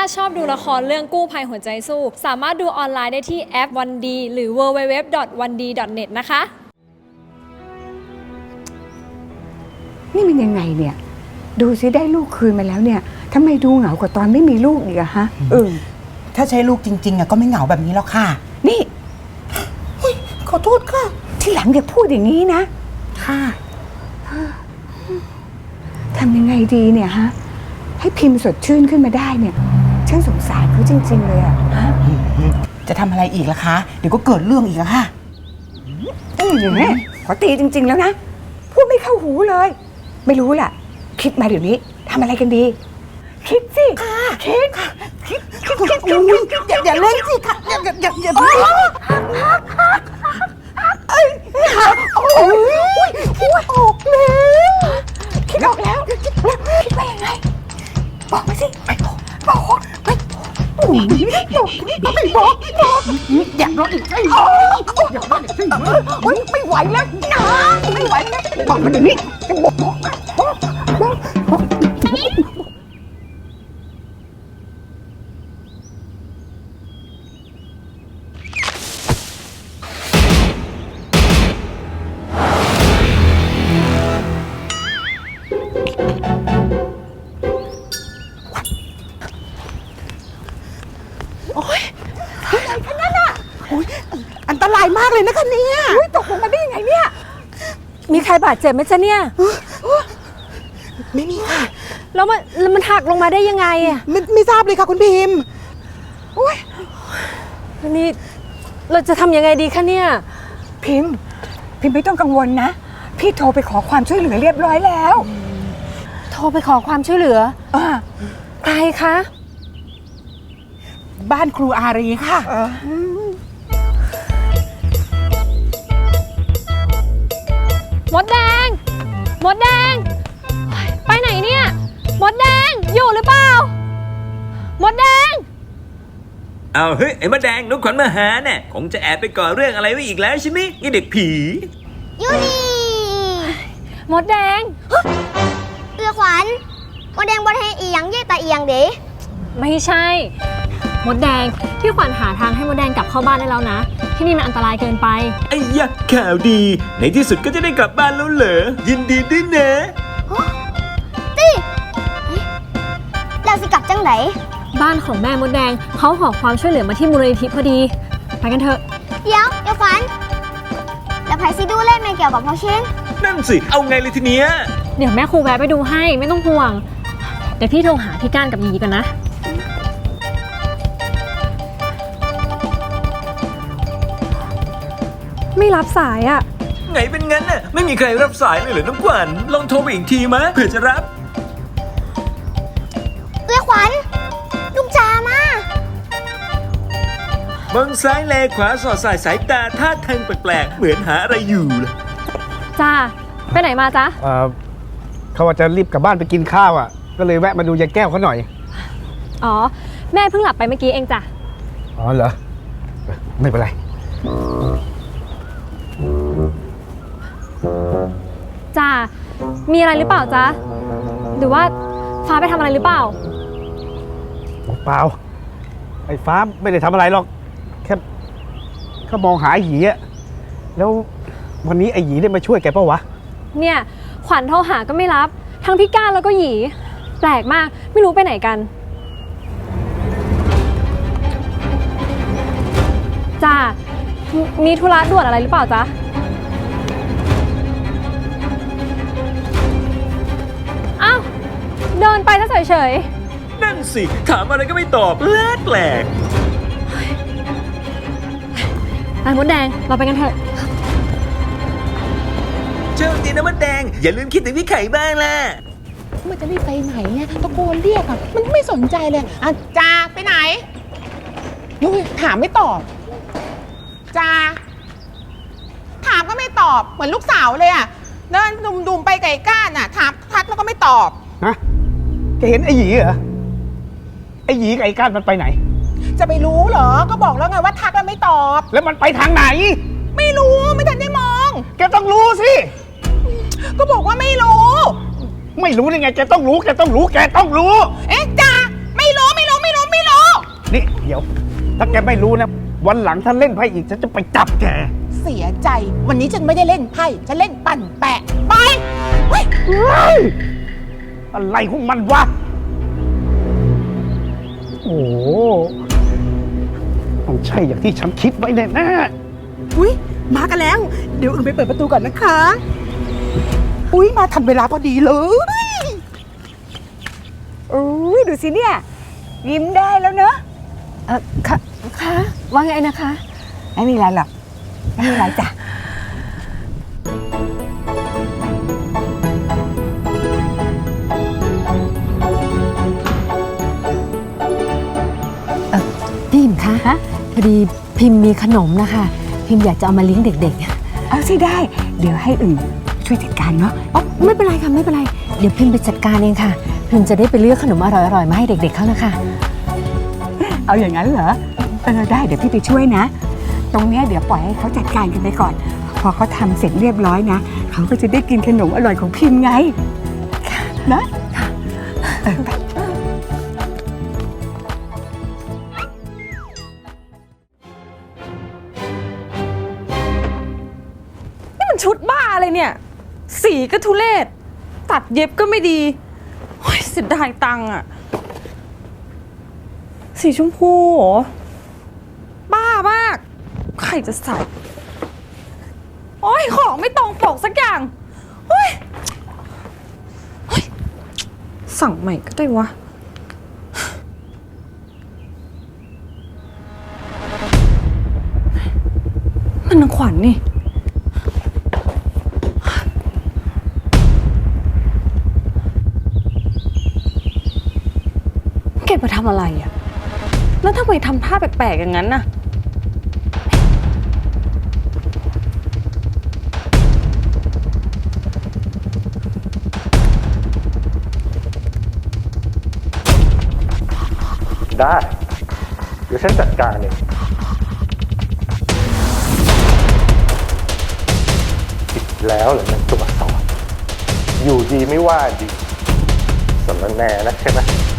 ชอบดูละครเรื่องกู้ภัยหัวใจสู้สามารถดูออนไลน์ได้ที่แอป 1D หรือ www.1d.net นะคะนี่มันยังไงเนี่ยดูสิได้ลูกคืนมาแล้วเนี่ยทำไมดูเหงากว่าตอนไม่มีลูกอีกอะฮะถ้าใช้ลูกจริงๆอะก็ไม่เหงาแบบนี้แล้วค่ะนี่ขอโทษค่ะที่หลังอย่าพูดอย่างนี้นะค่ะทำยังไงดีเนี่ยฮะให้พิมพ์สดชื่นขึ้นมาได้เนี่ยฉันสงสารเขาจริงๆเลยอะจะทำอะไรอีกล่ะคะเดี๋ยวก็เกิดเรื่องอีกอะค่ะอย่างนี้ขอตีจริงๆแล้วนะพูดไม่เข้าหูเลยไม่รู้ล่ะคิดมาเดี๋ยวนี้ทำอะไรกันดีคิดสิคิดอย่าเล่นสิค่ะอย่าโอ้ยคิดออกแล้วคิดออกแล้วคิดว่ายังไงบอกมาสิบอกอยากรออีกไม่ไหวแล้วนะไม่ไหวแล้วบอกมาเดี๋ยวนี้บอกอันตรายมากเลยนะคะเนี่ยตกลงมาได้ยังไงเนี่ยมีใครบาดเจ็บไหมจ๊ะเนี่ยไม่มีค่ะแล้วมันหักลงมาได้ยังไงอะไม่ทราบเลยค่ะคุณพิมพ์นี่เราจะทำยังไงดีคะเนี่ยพิมพ์ไม่ต้องกังวลนะพี่โทรไปขอความช่วยเหลือเรียบร้อยแล้วโทรไปขอความช่วยเหลือใครคะบ้านครูอารีค่ะมดแดงไปไหนเนี่ยมดแดงอยู่หรือเปล่ามดแดงเอาเฮ้ยไอ้มดแดงน้องขวัญมาหาเนี่ยคงจะแอบไปก่อเรื่องอะไรไว้อีกแล้วใช่ไหมนี่เด็กผียูนี่มดแดงขวัญมดแดงบนให้อีหยังเย่ตาอีหยังเด้ไม่ใช่มดแดงพี่ขวัญหาทางให้มดแดงกลับเข้าบ้านได้แล้วนะที่นี่มันอันตรายเกินไปไอ้ยักษ์ข่าวดีในที่สุดก็จะได้กลับบ้านแล้วเหรอยินดีด้วยนะติเราสิกลับจังไหนบ้านของแม่มดแดงเขาขอความช่วยเหลือมาที่มูลนิธิพอดีไปกันเถอะเดี๋ยวขวัญแล้วไผสิดูแลแม่เกี่ยวกับพ่อเชนนั่นสิเอาไงเลยทีเนี้ยเดี๋ยวแม่ครูแวะไปดูให้ไม่ต้องห่วงเดี๋ยวพี่โทรหาพี่ก้านกับหยีก่อนนะไม่รับสายอ่ะไงเป็นงั้นน่ะไม่มีใครรับสายเลยเหรอน้องขวัญลองโทรไปอีกทีมะเผื่อจะรับขวัญลูกจามมองซ้ายแลขวาสอดสายสายตาท่าทางแปลกๆเหมือนหาอะไรอยู่ล่ะจ้าไปไหนมาจ๊ะเขาว่าจะรีบกลับบ้านไปกินข้าวอ่ะก็เลยแวะมาดูยายแก้วเขาหน่อยอ๋อแม่เพิ่งหลับไปเมื่อกี้เองจ้ะอ๋อเหรอไม่เป็นไรจ้ามีอะไรหรือเปล่าจ๊ะหรือว่าฟ้าไปทำอะไรหรือเปล่าเปล่าไอ้ฟ้าไม่ได้ทำอะไรหรอกแค่มองหาไอ้หยีอะแล้ววันนี้ไอ้หยีได้มาช่วยแกเปล่าวะเนี่ยขวัญโทรหาก็ไม่รับทั้งพี่ก้านแล้วก็หยีแปลกมากไม่รู้ไปไหนกันจ้ามีธุระด่วนอะไรหรือเปล่าจ๊ะอ้าวเดินไปซะเฉยๆนั่นสิถามอะไรก็ไม่ตอบแปลกไอ้มดแดงเราไปกันเถอะเจ้าดีนะมดแดงอย่าลืมคิดถึงพี่ไข่บ้างล่ะมันจะรีบไปไหนเนี่ยตะโกนเรียกอ่ะมันไม่สนใจเลยจ้าไปไหนยุ้ยถามไม่ตอบจ้าถามก็ไม่ตอบเหมือนลูกสาวเลยอ่ะเดินดุมๆไปไก่ก้านอ่ะถามทักแล้วก็ไม่ตอบนะแกเห็นไอ้หยีเหรอไอ้หยีกับไอ้ก้านมันไปไหนจะไปรู้เหรอก็บอกแล้วไงว่าทักแล้วไม่ตอบแล้วมันไปทางไหนไม่รู้ไม่ทันได้มองแกต้องรู้สิก็บอกว่าไม่รู้ได้ไงแกต้องรู้เอ๊ะจ้าไม่รู้นี่เดี๋ยว ถ้าแกไม่รู้นะ วันหลังถ้าเล่นไพ่อีกฉันจะไปจับแกเสียใจวันนี้ฉันไม่ได้เล่นไพ่ฉันเล่นปั่นแปะไปเฮ้ยเฮ้ย อะไรของมันวะ โอ้โหต้องใช่อย่างที่ฉันคิดไว้แน่ๆอุ้ยมากันแล้ว เดี๋ยวอึ่งไปเปิดประตูก่อนนะคะ อุ้ยมาทันเวลาพอดีเลยอุ้ยดูสิเนี่ย ยิ้มได้แล้วเนอะค่ะว่าไงนะคะ ไม่มีอะไรหรอก ไม่มีอะไรจ้ะพี่พิมคะพอดีพิมพ์มีขนมนะคะ พิมพ์อยากจะเอามาเลี้ยงเด็กเอาสิได้ เดี๋ยวให้อึ่งช่วยจัดการเนาะๆอ๋อไม่เป็นไรค่ะไม่เป็นไร เดี๋ยวพิมพ์ไปจัดการเองค่ะ พิมพ์จะได้ไปเลือกขนมอร่อยๆมาให้เด็กๆเขานะคะเอาอย่างนั้นเหรอได้เดี๋ยวพี่ไปช่วยนะ ตรงเนี้ยเดี๋ยวปล่อยให้เขาจัดการกันไปก่อน พอเขาทำเสร็จเรียบร้อยนะ เขาก็จะได้กินขนมอร่อยของพิมพ์ไงนะไปนี่มันชุดบ้าอะไรเนี่ย สีก็ทุเรศ ตัดเย็บก็ไม่ดีโอ้ยเสียดายตังค์อะสีชมพูเหรอ บ้ามาก ใครจะใส่ โอ้ยของไม่ตรงปกสักอย่างโอ้ยโอ้ยสั่งใหม่ก็ได้วะ มันนางขวัญนี่ เก็บมาทำอะไรอะแล้วทำไมทำท่าแปลกๆอย่างนั้นน่ะได้ เดี๋ยวฉันจัดการเองผิดแล้วเหรอมันตัวสอนอยู่ดีไม่ว่าดีสำนักแน่นะใช่ไหม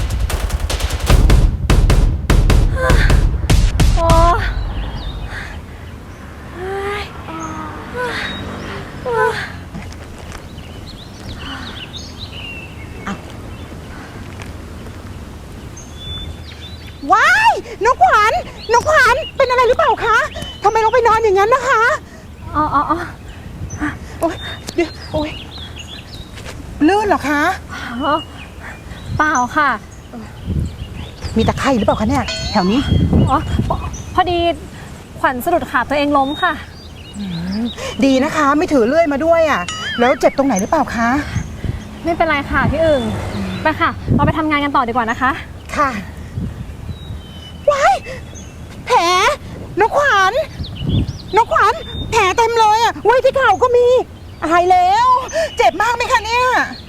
ว้ายน้องขวัญน้องขวัญเป็นอะไรหรือเปล่าคะทำไมลงไปนอนอย่างนั้นนะคะอ๋อโอ๊ยเดี๋ยวโอ๊ยลื่นเหรอคะเปล่าค่ะมีตะไคร่หรือเปล่าคะเนี่ยแถวนี้อ๋อ พอดีขวัญสะดุดขาตัวเองล้มค่ะดีนะคะ ไม่ถือเลื่อยมาด้วยอ่ะ แล้วเจ็บตรงไหนหรือเปล่าคะไม่เป็นไรค่ะพี่อึ่งไปค่ะ เราไปทำงานกันต่อดีกว่านะคะค่ะว้ายแผลน้องขวัญน้องขวัญแผลเต็มเลยอ่ะไว้ที่เข่าก็มีอายแล้ว เจ็บมากไหมคะเนี่ย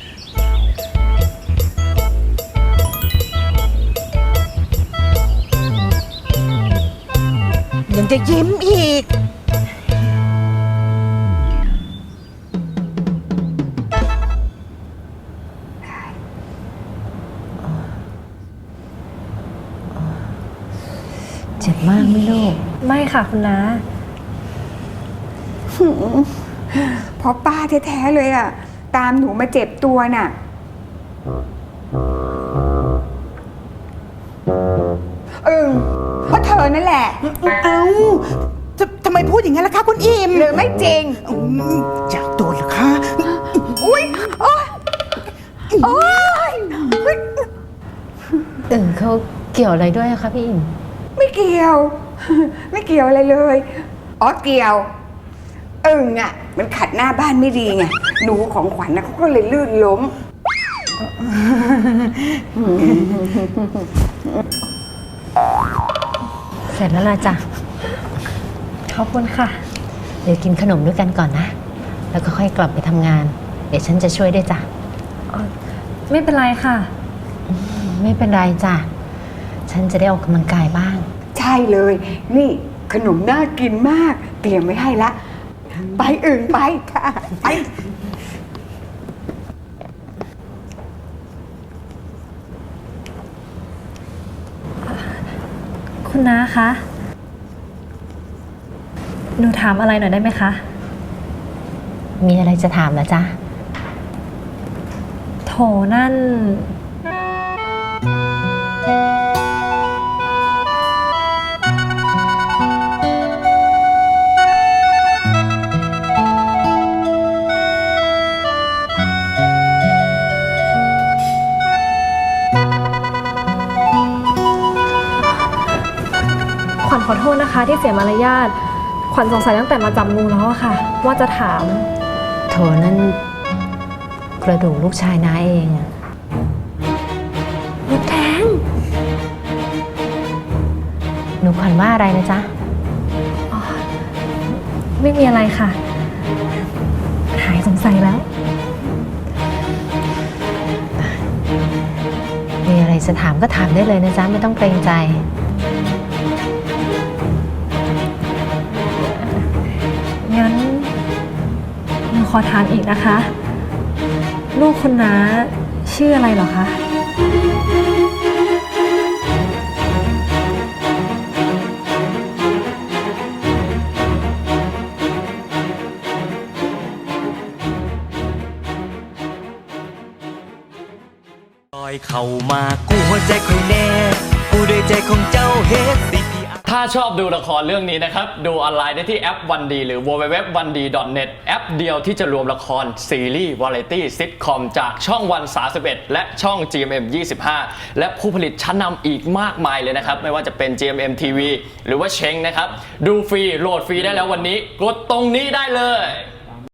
ยังจะยิ้มอีกเจ็บมากไหมลูกไม่ค่ะคุณน้าเพราะป้าแท้ๆเลยอ่ะ ตามหนูมาเจ็บตัวน่ะเพราะเธอนั่นแหละเอ้าทำไมพูดอย่างนั้นล่ะคะคุณอิมหรือไม่จริงอยากโดนเหรอคะอุ้ยโอ๊ยโอ๊ยเขาเกี่ยวอะไรด้วยอะคะพี่อิมไม่เกี่ยว ไม่เกี่ยวอะไรเลย อ๋อเกี่ยว อึ่งอ่ะ มันขัดหน้าบ้านไม่ดีไง หนูของขวัญนะเขาก็เลยลื่นล้มเสร็จแล้วล่ะจ้ะขอบคุณค่ะเดี๋ยวกินขนมด้วยกันก่อนนะ แล้วก็ค่อยกลับไปทำงาน เดี๋ยวฉันจะช่วยด้วยจ้ะไม่เป็นไรค่ะไม่เป็นไรจ้ะ ฉันจะได้ออกกำลังกายบ้างใช่เลย นี่ขนมน่ากินมาก เตรียมไว้ให้ละ ไปอึ่งไปค่ะ ไปคุณน้าคะ หนูถามอะไรหน่อยได้ไหมคะมีอะไรจะถามเหรอจ๊ะโถนั่น ขวัญขอโทษนะคะที่เสียมารยาท ขวัญสงสัยตั้งแต่มาจับงูแล้วอะค่ะ ว่าจะถามโถนั่นกระดูกลูกชายน้าเองอะมดแดงหนูขวัญว่าอะไรนะจ๊ะไม่มีอะไรค่ะ หายสงสัยแล้วมีอะไรจะถามก็ถามได้เลยนะจ๊ะ ไม่ต้องเกรงใจงั้นหนูขอถามอีกนะคะ ลูกคุณน้าชื่ออะไรเหรอคะลอยเข้ามากู้หัวใจคอยแน่กู้ด้วยใจของเจ้าเฮ็ดสิถ้าชอบดูละครเรื่องนี้นะครับ ดูออนไลน์ได้ที่แอป 1D หรือ www.1d.net แอปเดียวที่จะรวมละครซีรีส์วาไรตี้ซิทคอมจากช่องวัน31และช่อง GMM 25และผู้ผลิตชั้นนำอีกมากมายเลยนะครับ ไม่ว่าจะเป็น GMM TV หรือว่าเช้งนะครับ ดูฟรีโหลดฟรีได้แล้ววันนี้กดตรงนี้ได้เลย